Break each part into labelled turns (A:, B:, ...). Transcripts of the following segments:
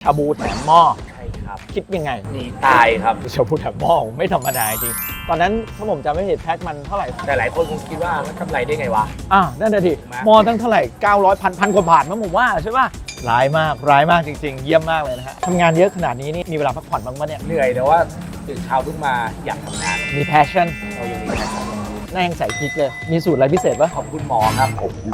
A: าบูแถมหม้อ
B: ใช่ครับ
A: คิดยังไง
B: หนีตายครับ
A: ชาบูแถมหม้อไม่ธรรมดาจริงตอนนั้นถ้าผมจำไม่ผิดแพ็คมันเท่าไหร่
B: แต่หลายคนคงคิดว่ามันกำไรได้ไงวะ
A: นั่นน่ะดิหม้อตั้งเท่าไหร่900พันกว่าบาทมั้งผมว่าใช่ป่ะร้ายมากจริงๆเยี่ยมมากเลยนะฮะทำงานเยอะขนาดนี้นี่มีเวลาพักผ่อนบ้างปะเนี่ย
B: เหนื่อยแต่ว่าตื่นเช้าขึ้นมาอยากทำงาน
A: มี passion
B: เรายังมีแพชชั่น
A: หน้ายังใส่พริกเลยมีสูตรอะไรพิเศษปะ
B: ขอบคุณหมอครับ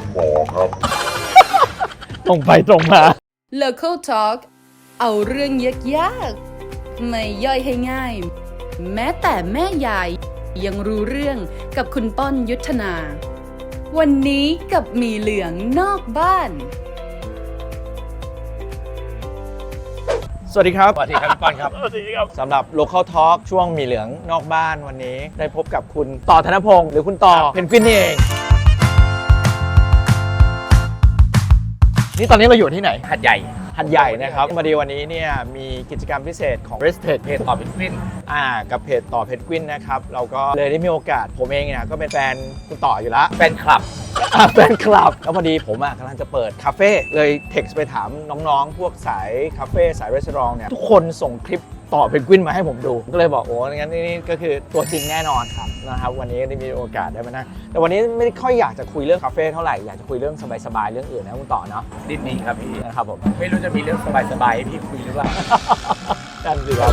A: ตรงไปตรงมา
C: Local Talk เอาเรื่องยากๆไม่ย่อยให้ง่ายแม้แต่แม่ยายยังรู้เรื่องกับคุณป้อนยุทธนา วันนี้กับหมี่เหลืองนอกบ้าน
A: สวัสดีครับ
B: สวัสดีครับพี่ป้อนครับ
A: สวัสดีครับสำหรับ Local Talk ช่วงหมีเหลืองนอกบ้านวันนี้ได้พบกับคุณต่อธนพงศ์หรือคุณต่อเพนกวินนี่เองนี่ตอนนี้เราอยู่ที่ไหน
B: หัดใหญ่
A: นะครับพอดีวันนี้เนี่ยมีกิจกรรมพิเศษของ Rested
B: เพจต่อเพนกวิน
A: กับเพจต่อเพนกวินนะครับเราก็เลยได้มีโอกาสผมเองเนี่ยก็เป็นแฟนคุณต่ออยู่แล้ว
B: แฟนคลับ
A: แล้วพอดีผมกำลังจะเปิดคาเฟ่เลยเท็กซ์ไปถามน้องๆพวกสายคาเฟ่สายรีสอร์ทเนี่ยทุกคนส่งคลิปต่อเพนกวินมาให้ผมดูก็เลยบอกโอ้งั้นนี่ก็คือตัวจริงแน่นอนครับนะครับวันนี้ได้มีโอกาสได้มานั่งแต่วันนี้ไม่ได้ค่อยอยากจะคุยเรื่องคาเฟ่เท่าไหร่อยากจะคุยเรื่องสบายๆเรื่องอื่นนะคุณต่อเนาะ
B: ดีครับพี่
A: นะครับผม
B: ไม่รู้จะมีเรื่องสบายๆให้พี่คุยหรือเปล่า
A: นั่นสิครับ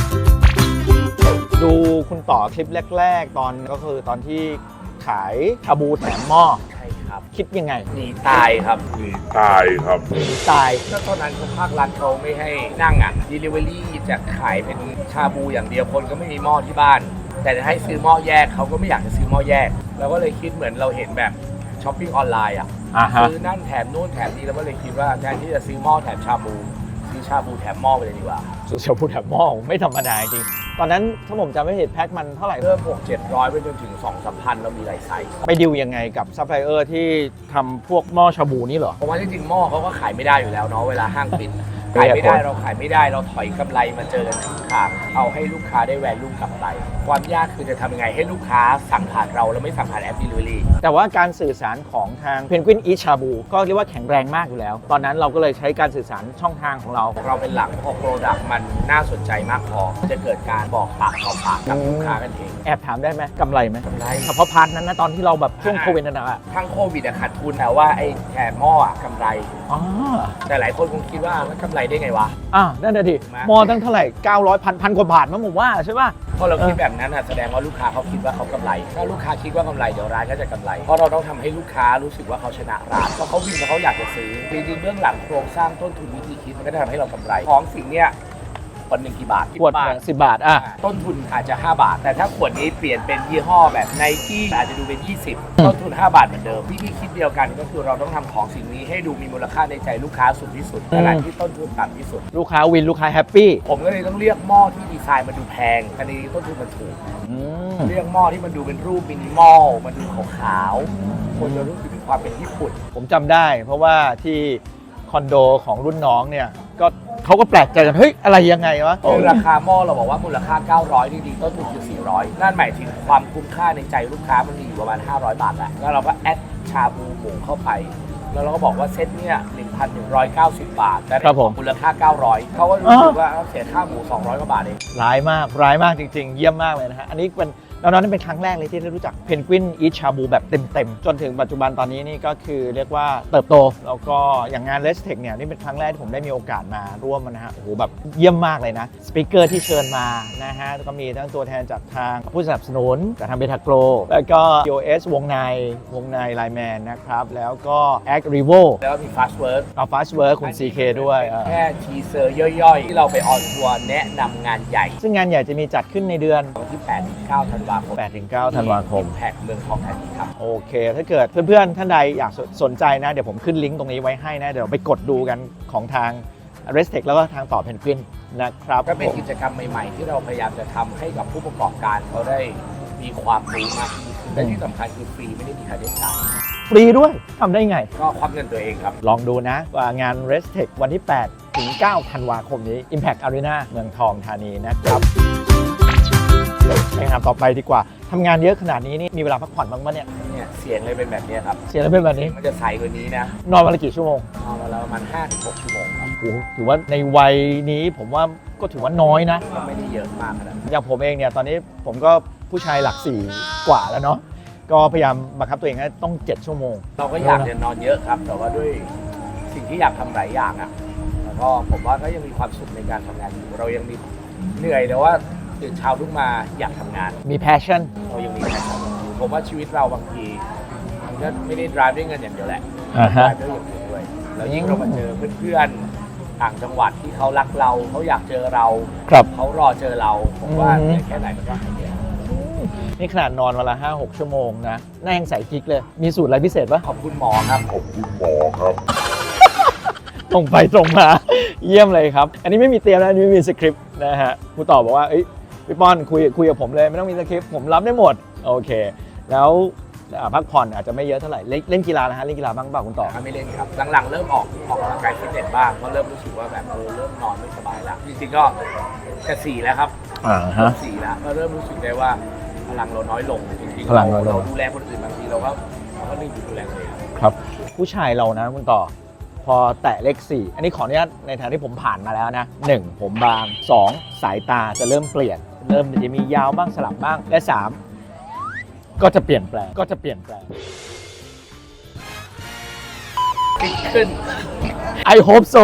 A: ดูคุณต่อคลิปแรกๆตอนก็คือตอนที่ขายชาบูแถมหม้อคิดยังไง
B: หนีตายครับ
A: หนีตาย
B: ก็ตอนนั้นภาครัฐเขาไม่ให้นั่งDelivery จะขายเป็นชาบูอย่างเดียวคนก็ไม่มีหม้อที่บ้านแต่จะให้ซื้อหม้อแยกเขาก็ไม่อยากจะซื้อหม้อแยกเราก็เลยคิดเหมือนเราเห็นแบบช้อปปิ้งออนไลน์ซื้อนั่นแถมนู่นแถมนี่เราก็เลยคิดว่าแทนที่จะซื้อหม้อแถมชาบูซื้อชาบูแถมหม้อไปเลยดีกว่า
A: ชาบูแถมหม้อไม่ธรรมดาจริงตอนนั้นถ้าผมจำไม่ผิดแพ็คมันเท่าไหร่
B: เริ่ม600-700ไปจนถึง 2-3 พันเรามีหลายไซส์
A: ไปดิวยังไงกับซัพพลายเออร์ที่ทำพวกหม้อชาบูนี่เหรอ
B: เพราะว่าจริงๆหม้อเขาก็ขายไม่ได้อยู่แล้วเนาะเวลาห้างปิดขายไม่ได้เราขายไม่ได้เราถอยกำไรมาเจอกันข้างทางเอาให้ลูกค้าได้แวลูกลับไปความยากคือจะทำยังไงให้ลูกค้าสั่งผ่านเราแล้วไม่สั่งผ่านแอป Delivery
A: แต่ว่าการสื่อสารของทางเพนกวินอีชาบูก็เรียกว่าแข็งแรงมากอยู่แล้วตอนนั้นเราก็เลยใช้การสื่อสารช่องทางของเรา
B: เป็นหลักพอโปรดักต์มันน่าสนใจมากพอจะเกิดการบอกปากต่อปากกับลูกค้ากันเอง
A: แอบถามได้ไหมกำไรไหม
B: กำไร
A: เฉพาะพาร์ทนั้นนะตอนที่เราแบบช่วงโควิดนั่น
B: ะทั้งโควิดขาดทุนแต่ว่าไอ้แถมหม้อกำไรแต่หลายคนคงคิดว่ามันกำไรได้ไงวะ
A: นั่นน่ะดิหม้อตั้งเท่าไหร่900พันกว่าบาทมั้งผมว่าใช่ป่ะ
B: พอเราคิดแบบนั้นแสดงว่าลูกค้าเขาคิดว่าเขากำไรถ้าลูกค้าคิดว่ากำไรเดี๋ยวร้านก็จะกำไรเพราะเราต้องทำให้ลูกค้ารู้สึกว่าเขาชนะร้านเพราะเขาวิ่งแล้วเขาอยากจะซื้อจริงๆเบื้องหลังโครงสร้างต้นทุนวิธีคิดมันก็จะทำให้เรากำไรของสิ่งเนี้ยวันหนึ่งกี่บาท
A: ขวด10 บาท
B: ต้นทุนอาจจะ5 บาทแต่ถ้าขวดนี้เปลี่ยนเป็นยี่ห้อแบบไนกี้อาจจะดูเป็น20ต้นทุน5 บาทเหมือนเดิมวิธีคิดเดียวกันก็คือเราต้องทำของสิ่งนี้ให้ดูมีมูลค่าในใจลูกค้าสูงที่สุดขณะที่ต้นทุนต่ำที่สุด
A: ลูกค้าวินลูกค้าแฮปปี้
B: ผมก็เลยต้องเลือกหม้อที่ดีไซน์มันดูแพงอันนี้ต้นทุนมันถูกเลือกหม้อที่มันดูเป็นรูปมินิมอลมันดูขาวๆคนจะรู้สึกถึงความเป็นญี่ปุ่น
A: ผมจำได้เพราะว่าที่คอนโดของรุ่นน้องเนี่ยก็เขาก็แปลกใจกันเฮ้ยอะไรยังไงวะ
B: ราคาหม้อเราบอกว่ามูลค่า900จริงๆต้นทุนคือ400นั่นหมายถึงความคุ้มค่าในใจลูกค้ามันมีอยู่ประมาณ500 บาทแล้วเราก็แอดชาบูหมูเข้าไปแล้วเราก็บอกว่าเซตเนี่ย 1,190 บาทแต่มูลค่า900เขาก็รู้สึกว่าเสียค่าหมู200 กว่าบาทเอง
A: ร้ายมากจริงๆเยี่ยมมากเลยนะฮะอันนี้เป็นแล้วนั่นเป็นครั้งแรกเลยที่ได้รู้จักเพนกวินอีทชาบูแบบเต็มๆจนถึงปัจจุบันตอนนี้นี่ก็คือเรียกว่าเติบโตแล้วก็อย่างงาน Rested เนี่ยนี่เป็นครั้งแรกที่ผมได้มีโอกาสมาร่วมนะฮะโอ้โหแบบเยี่ยมมากเลยนะสปีกเกอร์ที่เชิญมานะฮะก็มีทั้งตัวแทนจากทางผู้สนับสนุนจากทางเบทาโกลแล้วก็ EOS วงในไลแมนนะครับแล้วก็ Act Revo
B: แล้วก็มี Fast Work
A: Fast Work คุณ CK ด้วย
B: แค่ทีเซอร์ย่อยๆที่เราไปออนทัวร์แนะนำงานใหญ่
A: ซึ่งงานใหญ่จะมีจัดขึ้นในเดือน
B: วันที่8-9 ธันวาคม
A: 8-9 ธันวาคม
B: แพ็กเมืองทองธานีครับ
A: โอเคถ้าเกิดเพื่อนๆท่านใดอยากสนใจนะเดี๋ยวผมขึ้นลิงก์ตรงนี้ไว้ให้นะเดี๋ยวไปกดดูกันของทาง Rested แล้วก็ทางต่อเพนกวินนะครับ
B: ก็เป็นกิจกรรมใหม่ๆที่เราพยายามจะทำให้กับผู้ประกอบการเขาได้มีความรู้มากขึ้นและที่สำคัญคือฟรีไม่ได้มีค่าใช้จ่าย
A: ฟรีด้วยทำได้ไง
B: ก็ควักเงินตัวเองครับ
A: ลองดูนะว่างาน Rested วันที่8-9 ธันวาคมนี้ Impact Arena เมืองทองธานีนะครับไปงานต่อไปดีกว่าทำงานเยอะขนาดนี้นี่มีเวลาพักผ่อนบ้างปะเนี่ย
B: เสียงเลยเป็นแบบนี้ครับ
A: เสียงเลยเป็นแบบนี้
B: มันจะใสกว่านี้นะ
A: นอนวันละกี่ชั่วโมง
B: นอนวันละประมาณ5-6 ชั่วโมงครับ
A: โอ้โหถือว่าในวัยนี้ผมว่าก็ถือว่าน้อยนะ
B: ก็ไม่ได้เยอะมากขนาดนั้น
A: อย่างผมเองเนี่ยตอนนี้ผมก็ผู้ชายหลัก4กว่าแล้วเนาะก็พยายามบังคับตัวเองให้ต้อง7ชั่วโมง
B: เราก็อยากจะนอนเยอะครับ แต่ว่าด้วยสิ่งที่อยากทำหลายอย่างอ่ะแล้วก็ผมว่าก็ยังมีความสุขในการทำงานอยู่เรายังมีเหนื่อยแต่ว่าตื่นเช้าลุกมาอยากทำงาน
A: มี passion
B: เรายังมีแรงทำอยู่ผมว่าชีวิตเราบางทีมันก็ไม่ได้ drive ด้วยเงินอย่างเดียวแหละ
A: อ่าฮะ
B: drive ด้วยอย่างอื่นด้วยแล้วยิ่งเรามาเจอเพื่อนๆต่างจังหวัดที่เขารักเราเขาอยากเจอเรา
A: ครับ
B: เขารอเจอเราผมว่าเหนื่อยแค่ไหนมันก็หายเหนื่อย
A: นี่ขนาดนอนวันละ 5-6 ชั่วโมงนะหน้ายังใส่กิ๊กเลย มีสูตรอะไรพิเศษปะ
B: ขอบคุณหมอครับผม
A: ตรงไปตรงมา เยี่ยมเลยครับ อันนี้ไม่มีเตรียมนะอันนี้ไม่มีสคริปต์นะฮะครูต่อบอกว่าเอ้ยพี่ป้อนคุยกับผมเลยไม่ต้องมีสคริปต์ผมรับได้หมด โอเค แล้วพักผ่อนอาจจะไม่เยอะเท่าไหร่เล่นกีฬานะฮะเล่นกีฬาบ้างเปล่าคุณต่อ
B: ไม่เล่นครับหลังๆเริ่มออกกำลังกายฟิตเนสบ้างเพราะเริ่มรู้สึกว่าแบบเริ่มนอนไม่สบายแล้วจริงๆก็จะ4แล้วครับ
A: ฮะ
B: 4แล้วก็เริ่มรู้สึกได้ว่าพลังเราน้อยลงจริงๆ
A: พลังน้อยลง
B: เราดูแลคนอื่นบางทีเราก็ลืมดูแลตัวเอง
A: ครับผู้ชายเรานะคุณต่อพอแตะเลข4อันนี้ขออนุญาตในฐานะที่ผมผ่านมาแล้วนะ1ผมบาง2สายตาจะเริ่มเปลี่ยนเริ่มจะมียาวบ้างสลับบ้างและ3ก็จะเปลี่ยนแปลง
B: ฟิตขึ้น
A: I hope so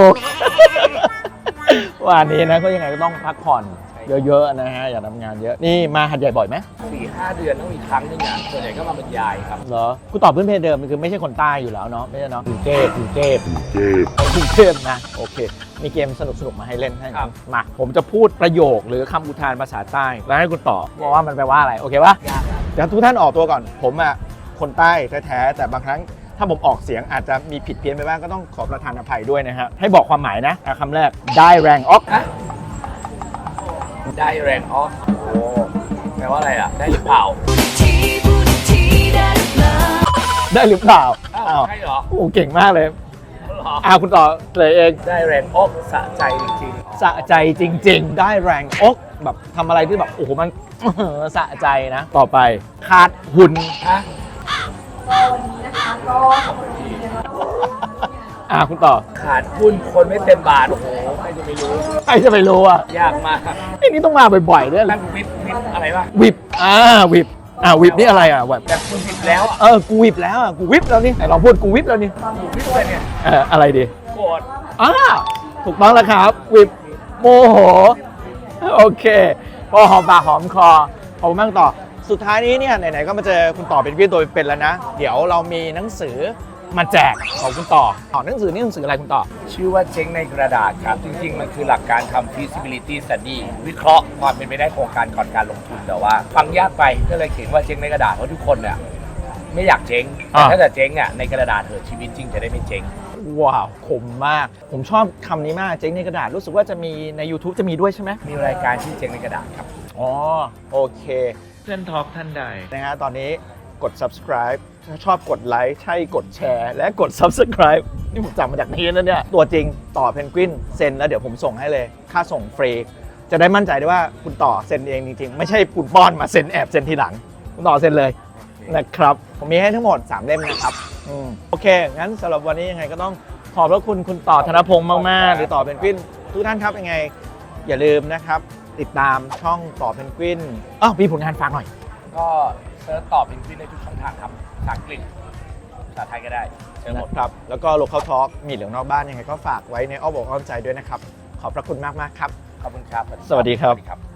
A: วันนี้นะก็ยังไงก็ต้องพักผ่อนเยอะๆนะฮะอย่าทำงานเยอะนี่มาหัดใหญ่บ่อยไหม
B: 4-5 เดือนต้องมีครั้งหนึงอ่ะส่วนใหญ่ก็มาบรรยายครับ
A: เหรอกูตอบพื้นเพเดิมมันคือไม่ใช่คนใต้อยู่แล้วเนาะไม่ใช่เนาะกรุงเทพนะโอเคมีเกมสนุกๆมาให้เล่นให้
B: ครับ
A: มาผมจะพูดประโยคหรือคำอุทานภาษาใต้แล้วให้คุณตอบว่ามันแปลว่าอะไรโอเคปะ
B: ยากครับ
A: เดี๋ยวทุกท่านออกตัวก่อนผมอ่ะคนใต้แท้ๆแต่บางครั้งถ้าผมออกเสียงอาจจะมีผิดเพี้ยนไปบ้างก็ต้องขอประทานอภัยด้วยนะฮะให้บอกความหมายนะคำแรกได้แรงออก
B: ฮะได้แรงออฟโอ้แปลว่าอะไรอ่ะได้หรือเปล่า
A: ได้หรือเปล่า
B: อ้าว
A: อ้าว
B: ใช่เหรอ
A: โอ้เก่งมากเลย
B: เหรอ
A: คุณต่อเลยเอง
B: ได้แรงอกสะใจจริงๆ
A: สะใจจริง ๆ ได้แรงอกแบบทำอะไรที่แบบโอ้โหมัน สะใจนะ ต่อไปขาดหุ่น
B: ฮะ
A: คุณต่อ
B: ขาดหุ้นคนไม่เต็มบาท โอ้โหใครจะไม่รู้
A: ใครจะไปรู้อ่ะ
B: ยากมาก
A: นี่ต้องมาบ่อยๆด้วย
B: ตั้งวิบอะไรวะ
A: วิบวิบวิบนี่อะไรอ่ะแบบ
B: แบบคุณวิบแล้วอ่ะ
A: กูวิบแล้วอ่ะกูวิบแล้วนี่ไหนลองพูดกูวิบแล้วนี่
B: วิบเลยเนี่ย
A: อะไรดี
B: โกรธ
A: ถูกต้องแล้วครับวิบโมโหโอเคพอหอมปากหอมคอขอบคุณมากต่อสุดท้ายนี้เนี่ยไหนๆก็มาเจอคุณต่อเป็นพี่ตัวเป็นแล้วนะ เดี๋ยวเรามีหนังสือมาแจกของคุณต่อหนังสือนี่หนังสืออะไรคุณต่อ
B: ชื่อว่าเจ๊งในกระดาษครับ จริงๆ มันคือหลักการทำ feasibility study วิเคราะห์ความเป็นไปได้โครงการก่อนการลงทุนแต่ว่าฟังยากไปก็เลยเขียนว่าเจ๊งในกระดาษเพราะทุกคนเนี่ยไม่อยากเจ๊งแต่ถ้าจะเจ๊งอ่ะในกระดาษเถอะชีวิตจริงจะได้ไม่เจ๊ง
A: ว้าวคมมาก ผมชอบคำนี้มากเจ๊งในกระดาษรู้สึกว่าจะมีใน YouTube จะมีด้วยใช่ไหม
B: มีรายการชื่อเจ๊งในกระดาษครับ
A: อ๋อโอเคเพื่อนทอล์กท่านใดนะฮะตอนนี้กด subscribe ถ้าชอบกดไลค์ใช่กดแชร์และกด subscribe นี่ผมจำมาจากนี้แล้วเนี่ยตัวจริงต่อเพนกวินเซ็นแล้วเดี๋ยวผมส่งให้เลยค่าส่งฟรีจะได้มั่นใจได้ว่าคุณต่อเซ็นเองจริงๆ ไม่ใช่คุณป้อนมาเซ็นแอบเซ็นทีหลังคุณต่อเซ็นเลยนะครับผมมีให้ทั้งหมด3เล่มนะครับโอเคงั้นสำหรับวันนี้ยังไงก็ต้องขอบพระคุณคุณต่อธนพงศ์มากๆหรือต่อเพนกวินทุกท่านครับยังไงอย่าลืมนะครับติดตามช่องต่อเพนกวินมีผลงานฝากหน่อย
B: ก็เซิร์ชตอบเป็นวินในทุกช่องทางครับภาษาอังกฤษภาษาไทยก็ได้เจอหมด
A: นะครับแล้วก็ Local Talk มีเหลืองนอกบ้านยังไงก็ฝากไว้ในอ้อมอกอ้อมใจด้วยนะครับขอบพระคุณมากๆครับ
B: ขอบคุณครับ
A: สวัสดีครับ
B: สวัสดีครับ